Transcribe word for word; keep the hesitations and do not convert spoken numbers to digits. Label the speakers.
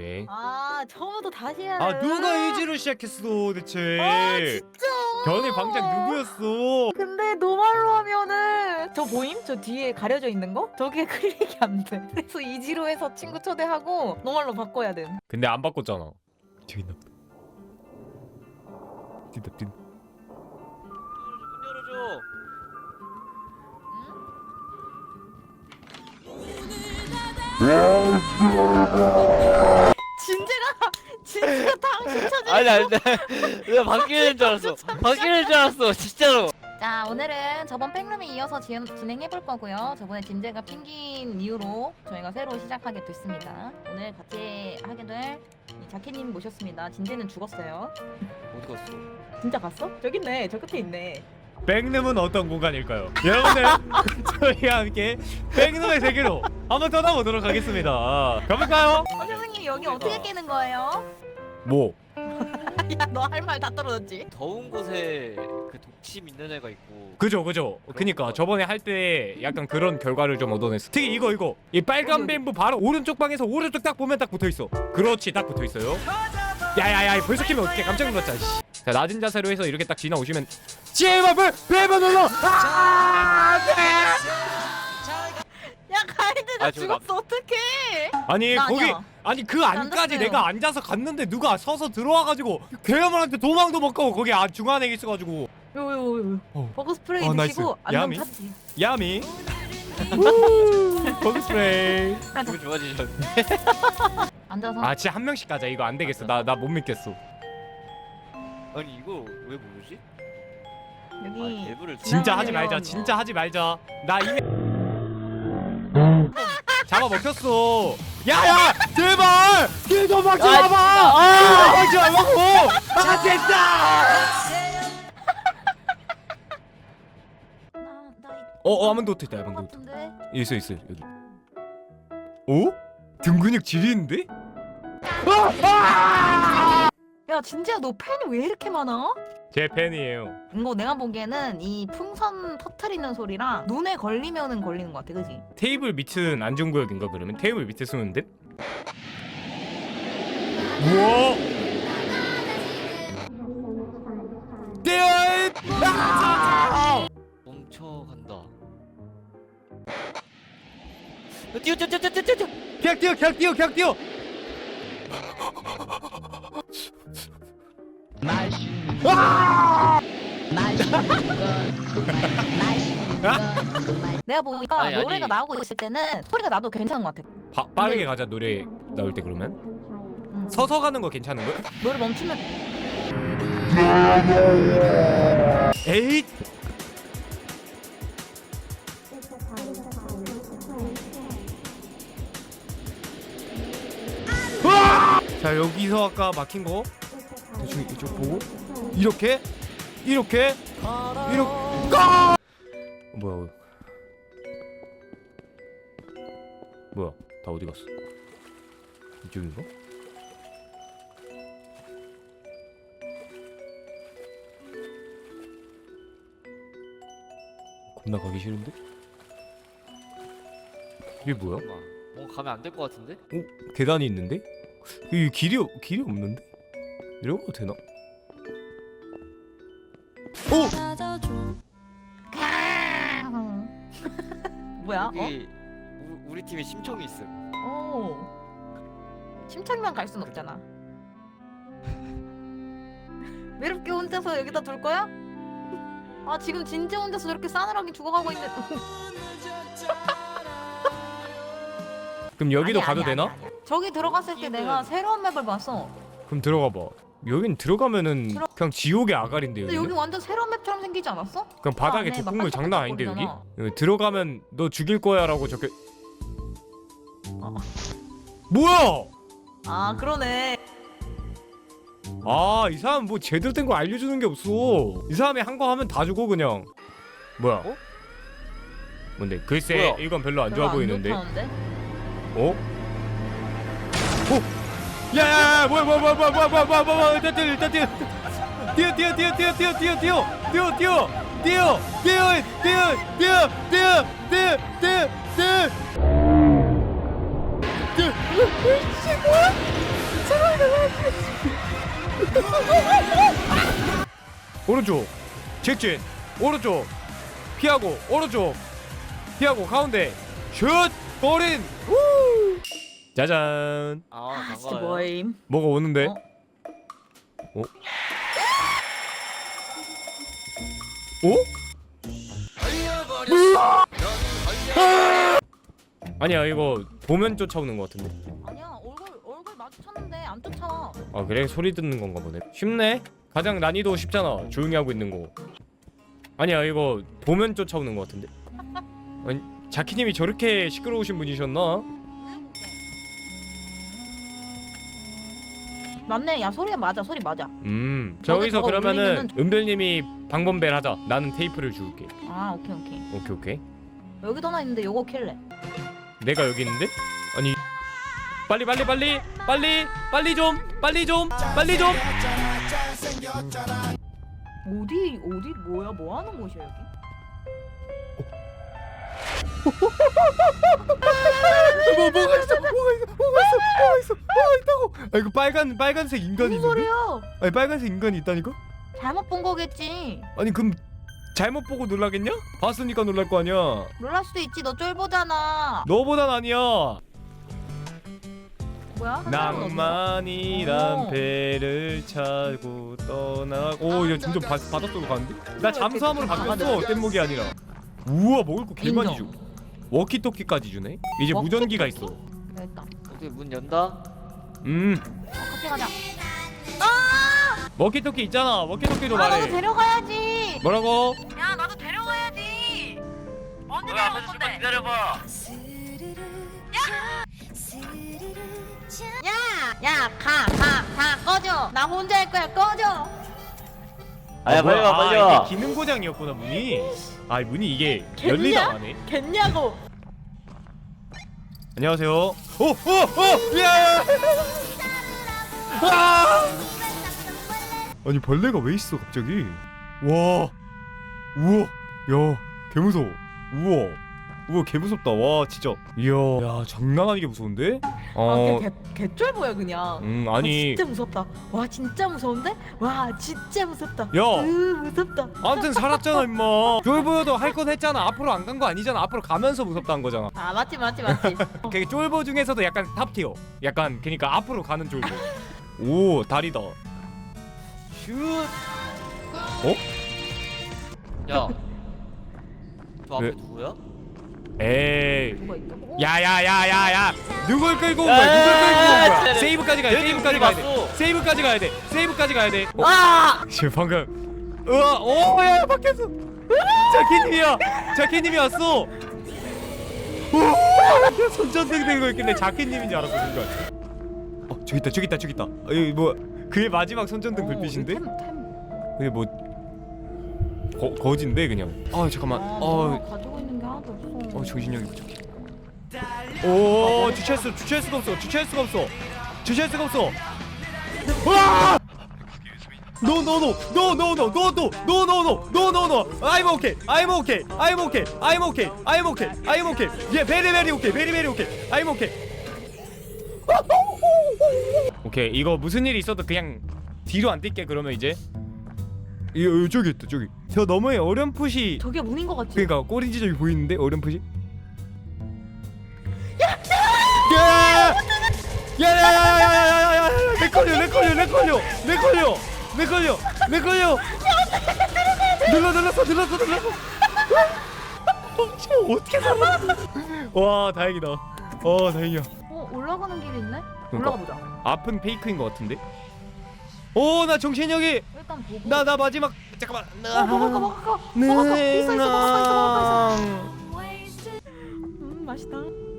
Speaker 1: 이제.
Speaker 2: 아 처음부터 다시 해야
Speaker 1: 아 누가 이지로 시작했어 대체.
Speaker 2: 아 진짜
Speaker 1: 변의 방장 누구였어?
Speaker 2: 근데 노말로 하면은 저 보임? 저 뒤에 가려져 있는 거? 저게 클릭이 안돼. 그래서 이지로 해서 친구 초대하고 노말로 바꿔야 돼.
Speaker 1: 근데 안 바꿨잖아. 저기 있나 보다. 뛴다 뛴다.
Speaker 3: 문 열어줘.
Speaker 2: 진재가 진재가 당신 찾은
Speaker 3: 아니 아니 나 내가 바뀌는 줄 알았어. 바뀌는 줄 알았어 진짜로.
Speaker 2: 자 오늘은 저번 백룸에 이어서 지, 진행해볼 거고요. 저번에 진재가 핑긴 이후로 저희가 새로 시작하게 됐습니다. 오늘 같이 하게 될 이 자켓님 모셨습니다. 진재는 죽었어요.
Speaker 3: 어디 갔어?
Speaker 2: 진짜 갔어? 저기 있네. 저 끝에 있네.
Speaker 1: 백룸은 어떤 공간일까요? 여러분들 저희와 함께 백룸의 세계로 한번 떠나보도록 하겠습니다. 가볼까요?
Speaker 2: 어, 선생님 여기
Speaker 3: 소리가.
Speaker 2: 어떻게 깨는 거예요?
Speaker 1: 뭐?
Speaker 2: 야 너 할 말 다 떨어졌지?
Speaker 3: 더운 곳에 그 독침 있는 애가 있고.
Speaker 1: 그죠 그죠. 그니까 저번에 할 때 약간 그런 결과를 좀 얻어냈어. 특히 이거 이거 이 빨간 뱀부 바로 오른쪽 방에서 오른쪽 딱 보면 딱 붙어있어. 그렇지 딱 붙어있어요. 야야야 벌써 키면 어떡해. 깜짝 놀랐잖아. 씨. 자 낮은 자세로 해서 이렇게 딱 지나오시면 제발 뱀을 눌러. 아,
Speaker 2: 야 가이드 나
Speaker 3: 아, 저거 나-
Speaker 2: 죽었어 어떡해?
Speaker 1: 아니
Speaker 2: 나
Speaker 1: 거기
Speaker 2: 아니야.
Speaker 1: 아니 그 안까지
Speaker 2: 앉았어요.
Speaker 1: 내가 앉아서 갔는데 누가 서서 들어와가지고 괴물한테 도망도 못 가고 거기 안 중간에 있어가지고
Speaker 2: 요요요
Speaker 1: 어.
Speaker 2: 버그 스프레이
Speaker 1: 어, 나이스.
Speaker 2: 드시고 안녕
Speaker 1: 야미?
Speaker 2: 탔지.
Speaker 1: 야미 우 버그 스프레이.
Speaker 3: 기분 좋아지셨네.
Speaker 2: 앉아서
Speaker 1: 아 진짜 한 명씩 가자. 이거 안 되겠어. 나 나 못 믿겠어.
Speaker 3: 아니 이거 왜 모르지?
Speaker 2: 여기
Speaker 3: 아, 앱을
Speaker 1: 진짜 하지
Speaker 2: 지나가면-
Speaker 1: 말자. 진짜 하지 말자. 나 이미 잡아 먹혔어. 야야 제발 길좀 막지
Speaker 3: 아,
Speaker 1: 마봐.
Speaker 3: 아!
Speaker 1: 막지 말라고. 아 됐다.
Speaker 2: 나나
Speaker 1: 어, 어 아몬드 호텔 있다. 아몬드 호텔.
Speaker 2: 같은데.
Speaker 1: 있어 있어 여기. 어? 등 근육 지리는데?
Speaker 2: 야 진재야 너 팬이 왜 이렇게 많아?
Speaker 1: 제 팬이에요.
Speaker 2: 이거 내가 보기에는 이 풍선 터트리는 소리랑 눈에 걸리면은 걸리는 것 같아, 그지?
Speaker 1: 테이블 밑은 안전구역인가 그러면? 테이블 밑에 쓰면 돼? 우와! 떼어잇! 아!
Speaker 3: 멈춰간다. 어, 뛰어 뛰어 뛰어 뛰어 뛰어 뛰어.
Speaker 1: 그냥 뛰어 그냥 뛰어 그냥 뛰어!
Speaker 2: 내가 보니까
Speaker 3: 아니, 아니.
Speaker 2: 노래가 나오고 있을 때는 소리가 나도 괜찮은 것 같아.
Speaker 1: 바, 빠르게 가자 노래 나올 때 그러면?
Speaker 2: 응.
Speaker 1: 서서 가는 거 괜찮은 거야?
Speaker 2: 노래 멈추면
Speaker 1: 에잇! 으아! 자 여기서 아까 막힌 거 대충 이쪽 보고 이렇게 이렇게 이렇게 까! 뭐야 뭐야 다 어디 갔어? 이쪽인가? 겁나 가기 싫은데? 이게 뭐야?
Speaker 3: 잠깐만. 뭔가 가면 안 될 것 같은데?
Speaker 1: 어? 계단이 있는데? 이 길이 없- 길이 없는데? 내려가도 되나? 오!
Speaker 2: 뭐야? 어?
Speaker 3: 여기 우, 우리 팀에 심청이 있어.
Speaker 2: 오. 심창만 갈 순 없잖아. 외롭게 혼자서 여기다 둘 거야? 아 지금 진재 혼자서 저렇게 싸늘하게 죽어가고 있는.
Speaker 1: 그럼 여기도
Speaker 2: 아니야,
Speaker 1: 가도
Speaker 2: 아니야,
Speaker 1: 되나?
Speaker 2: 아니야, 아니야. 저기 들어갔을 때 내가 새로운 맵을 봤어.
Speaker 1: 그럼 들어가 봐. 여긴 들어가면은
Speaker 2: 들어-
Speaker 1: 그냥 지옥의 아가리인데
Speaker 2: 근데
Speaker 1: 여기는?
Speaker 2: 여기 완전 새로운 맵처럼 생기지 않았어?
Speaker 1: 그럼 바닥에
Speaker 2: 안에 막
Speaker 1: 독극물 장난 아닌데 여기?
Speaker 2: 반짝반짝거리잖아.
Speaker 1: 여기 들어가면 너 죽일 거야라고 적혀.
Speaker 2: 어.
Speaker 1: 뭐야?
Speaker 2: 아 그러네.
Speaker 1: 아 이 사람 뭐 제대로 된 거 알려주는 게 없어. 이 사람이 한 거 하면 다 죽어 그냥. 뭐야?
Speaker 3: 어?
Speaker 1: 뭔데? 글쎄
Speaker 3: 뭐야?
Speaker 1: 이건 별로 안
Speaker 2: 별로
Speaker 1: 좋아
Speaker 2: 안
Speaker 1: 보이는데.
Speaker 2: 좋다는데?
Speaker 1: 어? 어? 야야야 뭐야 뭐야 뭐야 뭐야 뭐야 뭐야 뭐야 뭐야 일단 뛰어 일단 뛰어 뛰어 뛰어 뛰어 뛰어 뛰어 뛰어 뛰어 뛰어 뛰어 뛰어 뛰어 뛰어 뛰어 뛰어 뛰어 뛰어 뛰어 오른쪽 직진 오른쪽 피하고 오른쪽 피하고 가운데 슛 골인 우! 짜잔
Speaker 3: 아
Speaker 2: 아 진짜
Speaker 3: 반가워요.
Speaker 2: 뭐임?
Speaker 1: 뭐가 오는데?
Speaker 2: 어?
Speaker 1: 어? 어? 아니야 이거 보면 쫓아오는 것 같은데.
Speaker 2: 아니야 얼굴 얼굴 마주쳤는데 안 쫓아와.
Speaker 1: 아 그래 소리 듣는 건가 보네. 쉽네. 가장 난이도 쉽잖아. 조용히 하고 있는 거. 아니야 이거 보면 쫓아오는 것 같은데. 아니 자키님이 저렇게 시끄러우신 분이셨나?
Speaker 2: 맞네. 야 소리가 맞아. 소리 맞아.
Speaker 1: 음
Speaker 2: 저거
Speaker 1: 저기서
Speaker 2: 저거
Speaker 1: 그러면은
Speaker 2: 울리면은-
Speaker 1: 은별님이 방범벨 하자. 나는 테이프를 줄게.
Speaker 2: 아 오케이 오케이.
Speaker 1: 오케이 오케이.
Speaker 2: 여기도 하나 있는데 요거 킬래.
Speaker 1: 내가 여기 있는데? 아니 빨리 빨리 빨리 빨리 빨리 좀 빨리 좀 빨리 좀.
Speaker 2: 어디 어디 뭐야 뭐 하는 곳이야 여기?
Speaker 1: 뭐 뭐가 있어 뭐가 있어 뭐가 있어 뭐가 있어 뭐가 있다고. 아 이거 빨간 빨간색 인간이
Speaker 2: 무슨
Speaker 1: 있는데?
Speaker 2: 소리야?
Speaker 1: 아니 빨간색 인간이 있다니까?
Speaker 2: 잘못 본 거겠지.
Speaker 1: 아니 그럼 잘못 보고 놀라겠냐? 봤으니까 놀랄 거 아니야.
Speaker 2: 놀랄 수도 있지. 너 쫄보잖아.
Speaker 1: 너보단 아니야.
Speaker 2: 뭐야? 한 사람은 어디서?
Speaker 1: 낭만이란
Speaker 2: 어.
Speaker 1: 배를 차고 떠나고. 오 이제 점점 바, 바닷속으로 가는데? 나 잠수함으로
Speaker 2: 이렇게
Speaker 1: 바뀌었어. 뗏목이 아니라. 우와 먹을 거 개 많이 줘.
Speaker 2: 인정.
Speaker 1: 워키토키까지 주네. 이제 무전기가 있어.
Speaker 2: 됐다.
Speaker 3: 어떻게 문 연다?
Speaker 1: 음
Speaker 2: 어, 같이 가자.
Speaker 1: 워키토키 있잖아. 워키토키로
Speaker 2: 아 나도
Speaker 1: 말해.
Speaker 2: 데려가야지.
Speaker 1: 뭐라고?
Speaker 2: 야 나도 데려가야지. 언제
Speaker 3: 왜
Speaker 2: 데려갈
Speaker 3: 앞에서
Speaker 2: 건데?
Speaker 3: 좀만 기다려봐.
Speaker 2: 야, 가, 가, 다 꺼져. 나 혼자 할 거야. 꺼져.
Speaker 3: 아야 빨리
Speaker 1: 뭐야.
Speaker 3: 와 빨리
Speaker 1: 아,
Speaker 3: 와.
Speaker 1: 이게 기능 고장이었구나 문이. 아 문이 이게
Speaker 2: 겠냐?
Speaker 1: 열리다 가네.
Speaker 2: 겠냐고.
Speaker 1: 안녕하세요. 오, 오, 오, 야! 아! 아니 벌레가 왜 있어 갑자기? 와, 우와, 야, 개 무서워. 우와, 우와, 개 무섭다. 와, 진짜. 이야, 야, 장난 아니게 무서운데? 어,
Speaker 2: 아, 개, 개쫄보야 그냥.
Speaker 1: 음,
Speaker 2: 와,
Speaker 1: 아니,
Speaker 2: 진짜 무섭다. 와, 진짜 무서운데? 와, 진짜 무섭다.
Speaker 1: 야.
Speaker 2: 으, 무섭다.
Speaker 1: 아무튼 살았잖아 임마. 쫄보여도 할 건 했잖아. 앞으로 안 간 거 아니잖아. 앞으로 가면서 무섭다는 거잖아.
Speaker 2: 아, 맞지, 맞지, 맞지.
Speaker 1: 그 쫄보 중에서도 약간 탑티어. 약간 그니까 앞으로 가는 쫄보. 오, 다리다. 슛. 어?
Speaker 3: 야. 저 앞에
Speaker 1: 왜?
Speaker 3: 누구야?
Speaker 1: 에이.
Speaker 2: 누가 있다?
Speaker 1: 야야야야야. 누굴 끌고 온
Speaker 3: 야,
Speaker 1: 거야? 누굴
Speaker 3: 야,
Speaker 1: 끌고 온
Speaker 3: 야,
Speaker 1: 거야?
Speaker 3: 야,
Speaker 1: 세이브까지 가야 돼.
Speaker 3: 얘네
Speaker 1: 세이브까지
Speaker 3: 우리
Speaker 1: 가야 돼.
Speaker 3: 봤어.
Speaker 1: 세이브까지 가야 돼. 세이브까지 가야 돼. 어,
Speaker 2: 아!
Speaker 1: 지금 방금. 우와, 오야 바뀌었어. 자키님이야. 자키님이 왔어. 우와, 손전등 들고 있길래 자키님인 줄 알았어 순간. 어 저기 있다 저기 있다 저기 있다. 어, 여기 뭐 그의 마지막 손전등
Speaker 2: 어,
Speaker 1: 불빛인데?
Speaker 2: 템, 템.
Speaker 1: 그게 뭐 거, 거진데 그냥. 아 잠깐만.
Speaker 2: 아,
Speaker 1: 어,
Speaker 2: 내가 가지고 있는 게 하나도 없어.
Speaker 1: 어 정신력이 부족해. 오 주차할 수 주차할 수가 없어 주차할 수가 없어 주차할 수가 없어. 와! No no no no no no no no no no no no no no I'm okay I'm okay I'm okay I'm okay I'm okay I'm okay yeah very very okay very very okay I'm okay. 오케이 이거 무슨 일이 있어도 그냥 뒤로 안 뛸게. 그러면 이제 이 어, 저기 있다 저기 저 너머에 어렴풋이
Speaker 2: 저게 문인 거 같지?
Speaker 1: 그러니까 꼬리 지점이 보이는데 어렴풋이. 야! 야야야야야야야야! 내 걸려 내 걸려 내 걸려 내 걸려 내 걸려 내 걸려. 눌러 눌렀어 눌렀어 눌렀어. 어떻게 살았어? 와 다행이다. 어 다행이야.
Speaker 2: 어, 올라가는 길이 있네?
Speaker 1: 그러니까.
Speaker 2: 올라가 보자.
Speaker 1: 앞은 페이크인 것 같은데? 오 나 정신력이
Speaker 2: 일단 보고.
Speaker 1: 나 나 마지막 잠깐만.
Speaker 2: 어, 먹을 거 먹을 거.
Speaker 1: 네.
Speaker 2: 먹을 거 있어 있어 먹을 거 있어 먹을 거 있어. 음, 맛있다.